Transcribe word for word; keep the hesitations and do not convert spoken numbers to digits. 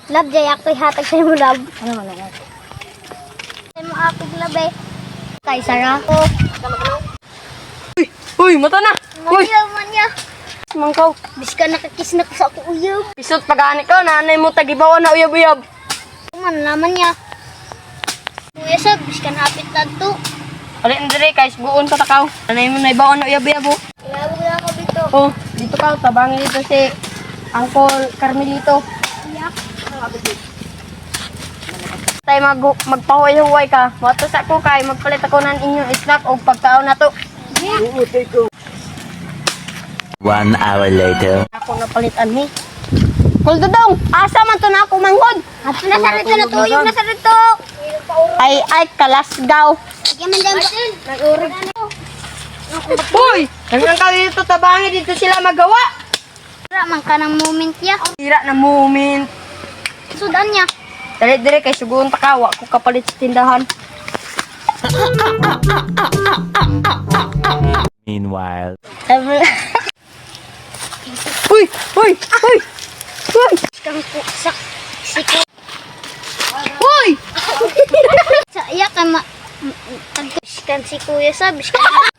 Love, jay ako ihatag sa'yo mo, love. Ano man lang? Sa'yo mo ako, love eh. Tay, Sarah. Oh. Uy, uy, mata na. Uy, Manya, manya. mangkaw. Bis ka nakakis na ko sa ako uyab. Pisot pag-ani ka, nanay mo tagibawa na uyab-uyab. Man naman niya. Kuya sab, bis ka napit na to. Ali, Andre, guys, buon ka takaw. Nanay mo na ibawa na uyab-uyab, oh. Ilabog na ako dito. Oh, dito ka, tabangin dito si Uncle Carmelito. Iyak. Tay mag magpahuay-huway ka. Mato sa ko kay magpalit ako ng inyong snack o pagkaon na to. One hour later. Ako napalitan ni. Kuldo dong, asa man to na ako manghod. At nasa rito na tuyong nasa rito. Ay ay kalasgaw. Sige man dyan. Nag-urog. Hoy, hanggang ka dito tabangin dito sila magawa. Tira man ka ng moment ya. Tira na moment. Sudan niya. Dali dire kay sugon ta ka, wa ko kapalit sa tindahan. Meanwhile. Uy, uy, uy. Uy. Kang po sa siko. Uy. Sa iya ka ma tagkis kan si kuya sab. Bis ka